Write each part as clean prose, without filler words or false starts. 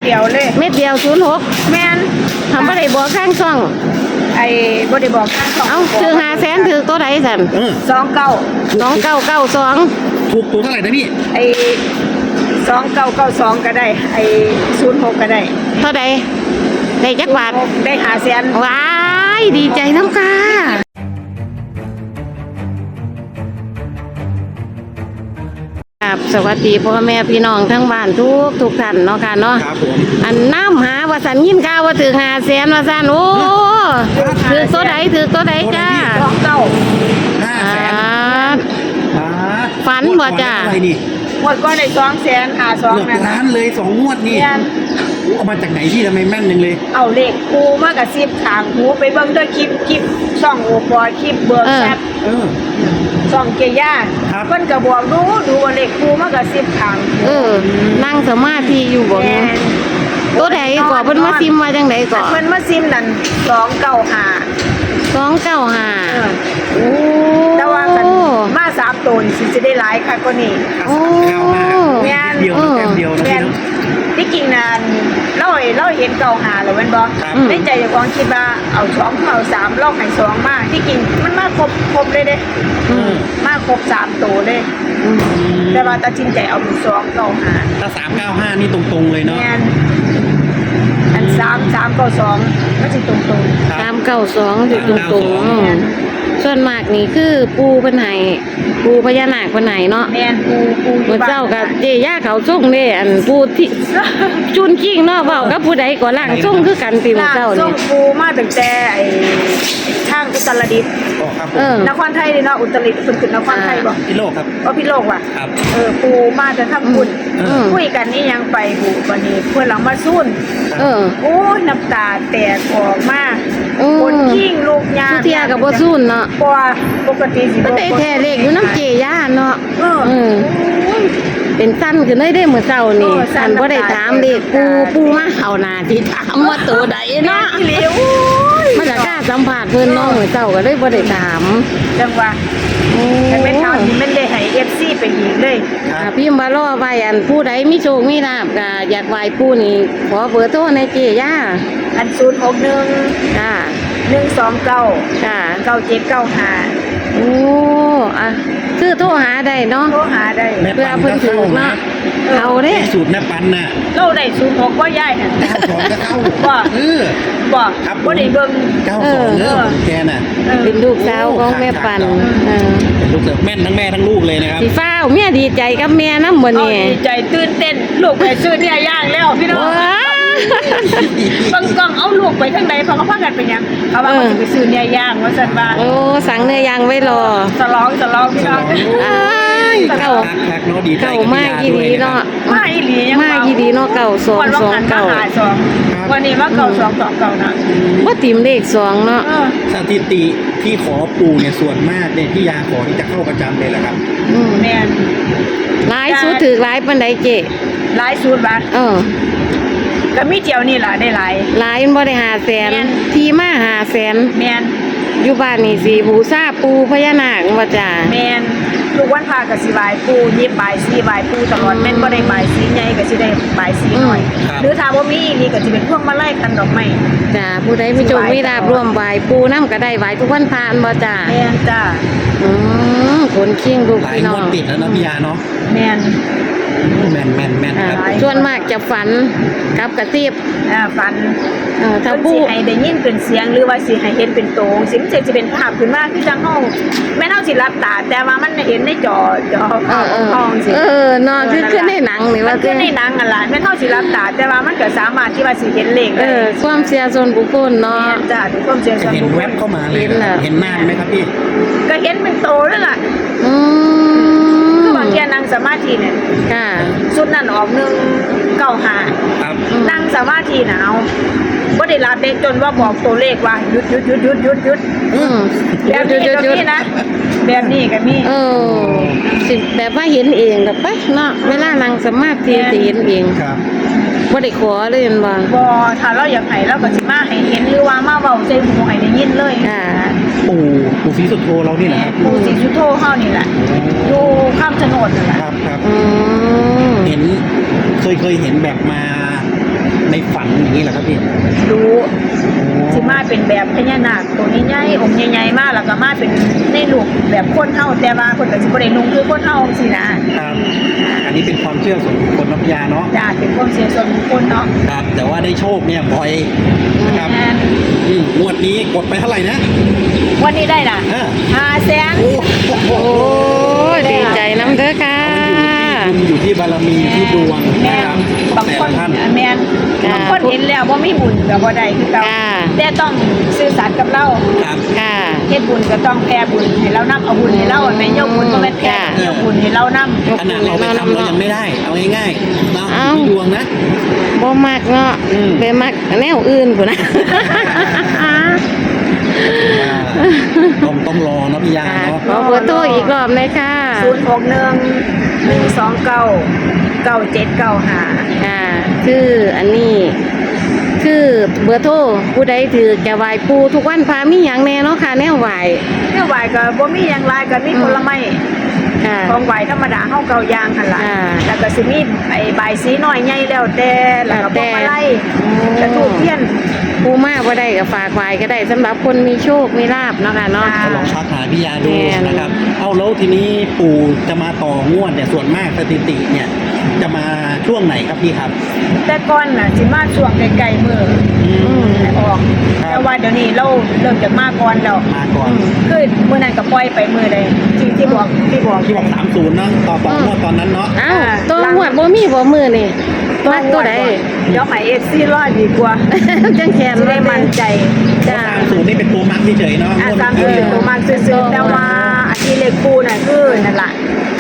เดียวเลยเม็ดเดียว06 แม่นทำบ่ได้บอกข้างช่องบ่ได้บอกข้างช่องเอ้าถือ500,000ถือตัวใดสั่น 29 ถูกตัวเท่าไหร่นะพี่ 2992ก็ได้06ก็ได้เท่าใดได้จักบาทได้500,000 ว้ายดีใจน้ำค่ะสวัสดีพ่อแม่พี่น้องทั้งบ้านทุกท่านเนาะค่ะเนาะครับผมอันน้ำหาว่าสันยินข่าวว่าถึง500,000ว่าสันโอ้ถือตัวใดจ้าฝันบ่จ้าหมดก็ได้200,000หา2นั่นล้านเลย2 งวดนี่เอามาจากไหนพี่ทำไมแม่นนึงเลยเอาเลขกูมากระซิบทางหูไปเบิ่งด้วยคลิปช่องโอปอคลิปเบิร์กแชทช่องเกียร์เพิ่นก็บอกดูว่าเลขกูมากระซิบทางนั่งสมาธิอยู่บ่ตัวใดก่อเพิ่นมาซิมมาจังไดก่อเพิ่นมาซิมนั่น295 โอ้แต่ว่ากันมา3ตัวนี่สิจะได้หลายค่ะกว่านี้โอ้แม่นเดียวนะพี่น้องที่จริงน่ะเราเห็น95แล้วแม่นบ่ในใจเจ้าของคิดว่าเอา2เอา3ลอกให้2มาที่จริงมันมาครบเลยเด้มาครบ3ตัวเลยแต่ว่าตัดสินใจเอา295 ถ้า395นี่ตรงๆเลยเนาะอัน392มันสิตรงๆ 392สิตรงๆส่วนมากนี่คือปูเพิ่นให้ปูพญานาคเพิ่นให้เนาะแม่นปูอยู่เจ้ากับเจย่าเขาส่งเด้อันปูที่จุนกิ้งเนาะเว้ากับผู้ใดก็ล่างส่งคือกันติมื้อเจ้านี่ส่งปูมาตั้งแต่ทางอุตรดิตถ์นครไทยเนาะอุตรดิตถ์เพิ่นขึ้นนครไทยบ่พิโลกครับพิโลกว่ะปูมาแต่ทางบุญคุยกันนี่ยังไปบุวันนี้เพิ่นหลังมาซุ่นโอ้ยน้ำตาแตกออกมาคนกิ้งลูกยาเที่ยก็บ่ซุ่นเนาะเพราะว่าปกติสิบ่ได้แท้เลขอยู่น้ำเจย่าเนาะเป็นสั้นขึ้นได้มื้อเช้านี่สั้นบ่ได้ถามเลขปูมาเอาหน้าที่ถามว่าตัวใดเนาะมันจะกล้าสัมภาษณ์เพิ่นเนาะมื้อเช้าก็เลยบ่ได้ถามจังว่าแต่แม่ถามนี่มันได้ให้ FC ไปอีกเลยพิมพ์ว่ารอไว้อันผู้ใดมีโชคมีลาภก็อยากไหว้ปู่นี่ขอเบอร์โทรในเจย่าอัน061 จ้า 129 จ้า 9795 โอ้คือโทรหาได้เนาะโทรหาได้เพื่อเพิ่นถูกเนาะเอาเด้สูตรแม่ปันน่ะเราได้06บ่ยายหั่น 92ก็เข้าบ่บ่ได้เบิ่ง 92แกน่ะเป็นลูกสาวของแม่ปันเป็นลูกแม่นทั้งแม่ทั้งลูกเลยนะครับสิฟ้าวเมียดีใจกับแม่นำบ่นี่ดีใจตื่นเต้นลูกไปซื้อเนี่ยย่างแล้วพี่น้องบางกล่องเอาลูกไปทางใดเพราะเขาพากันไปยังเขาว่าเขาจะไปซื้อเนี่ยย่างว่าซั่นว่าโอ้สั่งเนื้อย่างไว้รอฉลองพี่น้องเข้ามาอีหลีเนาะมาอีหลียังมาอีหลีเนาะ 9229วันนี้ว่า9229นะบ่ติมเลข2เนาะสถิติที่ขอปู่เนี่ยส่วนมากเนี่ยที่ยาขอที่จะเข้าประจำเลยแหละครับแม่นหลายสุดถือหลายปานใดเจ๊หลายสุดบาทก็มีเจียวนี่ล่ะได้หลายมันบ่ได้500,000ที่มา500,000 แม่นอยู่บ้านนี่สิบูชาปู่พญานาคว่าจ้าแม่นทุกวันพระก็สิไหว้ปู่ยิบบายสีไหว้ปู่ตลอดแม่นบ่ได้บายสีใหญ่ก็สิได้บายสีน้อยหรือถ้าบ่มีนี่ก็สิเป็นพวงมาลัยคันดอกไม้จ้าผู้ใดมีโชคมีลาภร่วมไหว้ปู่นำก็ได้ไหว้ทุกวันพระบ่จ้าแม่นจ้าคนเคียงลูกพี่น้องติดแล้วเนาะพี่ยาเนาะแม่นครับส่วนมากจะฝันกับกระซิบฝันถ้าผู้ให้ได้ยินเป็นเสียงหรือว่าสิให้เห็นเป็นโตสิมันจะเป็นภาพขึ้นมาคือจังห้องแม่นเฮาสิรับตาแต่ว่ามันเห็นในจอห้องสินอนคือในหนังนี่ว่าคือในหนังนั่นล่ะแม่นเฮาสิรับตาแต่ว่ามันก็สามารถที่ว่าสิเห็นเลขได้ความเชื่อส่วนบุคคลเนาะจ้ะความเชื่อส่วนบุคคลเห็นแวบเข้ามาเลยเห็นหน้าไหมครับพี่ก็เห็นเป็นโตแล้วล่ะบางทีนั่งสมาธิเนี่ยสุดนั่นออก195นั่งสมาธิหนาวก็ได้รับเด็กจนว่าบอกตัวเลขว่าหยุดแบบนี้นะแบบนี้ก็มีสิแบบว่าเห็นเองกับปะเนาะเวลานั่งสมาธิจะเห็นเองบ่ได้ขอเลยเห็นบ่ถ้าเราอยากให้เราก็สิมาให้เห็นหรือว่ามาเว้าใส่หูให้ได้ยินเลยปู่ศรีสุโธเรานี่แหละครับปู่ศรีสุโธเฮานี่แหละอยู่ข้ามถนนนั่นแหละครับเห็นเคยเห็นแบบมาฝันอย่างนี้เหรอครับพี่รู้สิมาเป็นแบบพญานาคตัวใหญ่ๆองค์ใหญ่ๆมากแล้วก็มาเป็นในรูปแบบคนเฮาแต่ว่าคนก็สิบ่ได้นุ่งคือคนเฮาสินะครับอันนี้เป็นความเชื่อส่วนบุคคลนะพี่ยาเนาะจ้าเป็นความเชื่อส่วนบุคคลเนาะครับ แต่ว่าได้โชคเนี่ยบ่อยนะครับแม่นงวดนี้กดไปเท่าไหร่นะวันนี้ได้ล่ะ 500,000 โอ้โหโอ้ยดีใจน้ำเด้อค่ะมันอยู่ที่บารมีที่ดวงแม่นะครับบางแต่คนละท่านแม่นค่ะบางคนเห็นแล้วว่ามีบุญก็บ่ได้คือเก่าค่ะแต่ต้องซื่อสัตย์กับเราครับค่ะเฮ็ดบุญก็ต้องแผ่บุญให้เรานํเอาบุญให้เราแม่ยกบุญบ่แม่นแผ่ค่ะยกบุญให้เรานํขนาดเราไปทำเรายังไม่ได้ เอาง่ายๆเนาะเอ้ามีดวงนะบ่มักเนาะอืมไปมักแนวอื่นพุ่นนะต้องรอเนาะพี่ยาค่ะเนาะขอเบอร์โทรอีกรอบเลยค่ะ 061-129-9795 ค่ะ คืออันนี้ คือเบอร์โทรผู้ใดถือจะไหว้ปูทุกวันพามีหยังแน่เนาะค่ะแนวไหว้เนี่ยไหวก็บ่มีหยังหลายก็มีผลไม้ค่ะของไหวธรรมดาเฮาเก่าย่างหั่นล่ะอ่าแล้วก็สิมีไอ้ใบายสีน้อยใหญ่แล้วแต่แล้วก็พวงมาลัยกระทูบเทียนปูมาบ่ได้ก็ฝากไหว้ก็ได้สำหรับคนมีโชคมีลาภเนาะค่ะเนาะค่ะก็ลองชักหาพี่ยาดูแม่นนะครับ เอาแล้วทีนี้ปู่จะมาต่องวดเนี่ยส่วนมากสถิติเนี่ยจะมาช่วงไหนครับพี่ครับแต่ก่อนน่ะสิมาช่วงไกลๆมื้ออืมให้ออกครับแต่ว่าเดี๋ยวนี้เราเริ่มจากมาก่อนแล้วมาก่อนคือมื้อนั้นก็ปล่อยไปมื้อใดที่บอกที่บอก30เนาะต่องวดตอนนั้นเนาะเอ้าตัวหวดบ่มีบ่มือนี่มักตัวใดเดี๋ยวให้ FC รอดีกว่าจังแขนจะบ่ได้มั่นใจจ้า 30นี่เป็นตัวมักเฉยๆเนาะตามที่เป็นตัวมากซื่อๆแต่ว่าอันที่เลขคู่น่ะคือนั่นล่ะ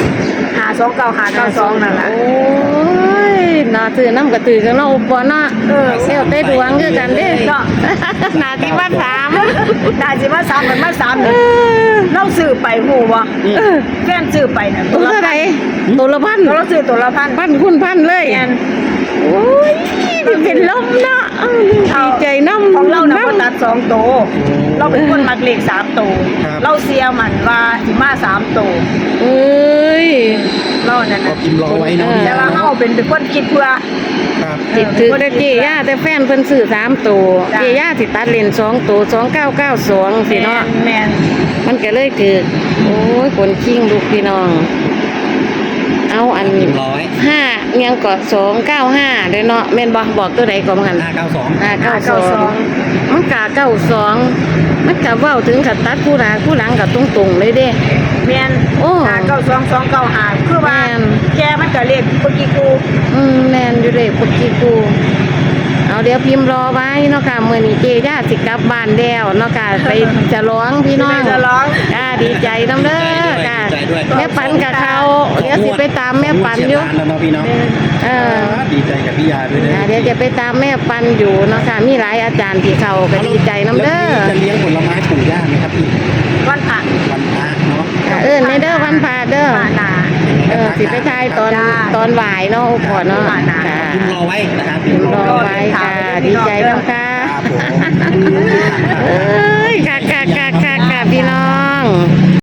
529-592นั่นล่ะโอ้ยน่าตื่นน้ำกระตือกันเนาะบ่เนาะเออเซลเต้ดวงคือกันเด้เนาะนาที่ว่าถามน่าสิมา3กันมา3 เอนี่อเราซื้อไปฮู้บ่เออแฟนซื้อไปน่ะตัวเท่าไหร่ตัวละพันเราซื้อตัวละพันพันคุณพันเลยแม่นโอ้ยเป็นลมเนาะดีใจน้ำของเราน่ะบ่น้ำตัด2ตัวเราเป็นคนมักเลข3ตัวครับเราเสียมันว่าสิมา3ตัวเอ้ยเรานั่นก็น่ะพิมพ์รอไว้เนาะแต่ว่าเฮาเป็นคนคิดเพื่อครับจิตถือแต่เจีย่าแต่แฟนเพิ่นซื้อ3ตัวจ้ะเจีย่าสิตัดเลน2ตัว2992สิเนาะแม่นมันก็เลยถือโอ้ยคนคิงลูกพี่น้อง เอาอันพิมพ์รอไว้ 5เอียงก็295เด้อเนาะแม่นบ่บอกตัวใดก็บ่งั้น 592 592มันกะ92มันกะเว้าถึงขัดตัดผู้หน้าผู้หลังก็ตรงๆเลยเด้แม่นโอ้ 592-295คือว่าแม่นแกมันก็เลขปกติกูแม่นอยู่เด้ปกติกูเอาเดี๋ยวพิมพ์รอไว้เนาะค่ะมื้อนี้เจย่าสิกลับบ้านแล้วเนาะค่ะไปฉลองพี่น้องจะร้องค่ะดีใจน้ำเด้อค่ะดีใจด้วยแม่ปันกับเขาเดี๋ยวสิไปตามแม่ปันอยู่งวดเฉีดล้านแล้วเนาะพี่เนาะเออดีใจกับพี่ยาด้วยนะเดี๋ยวจะไปตามแม่ปันอยู่เนาะค่ะมีหลายอาจารย์ที่เขาก็ดีใจน้ำเด้อแล้วพี่จะเลี้ยงผลไม้ปู่ย่าไหมครับพี่วันผ่านวันพระเนาะในเด้อวันพาเด้อผ่านนาสิไปทายตอนบ่ายเนาะโอ้พอเนาะค่ะพิมพ์รอไว้นะครับพิมพ์รอไว้ค่ะ ดีใจน้ำค่ะครับผมเอ้ยค่ะพี่น้อง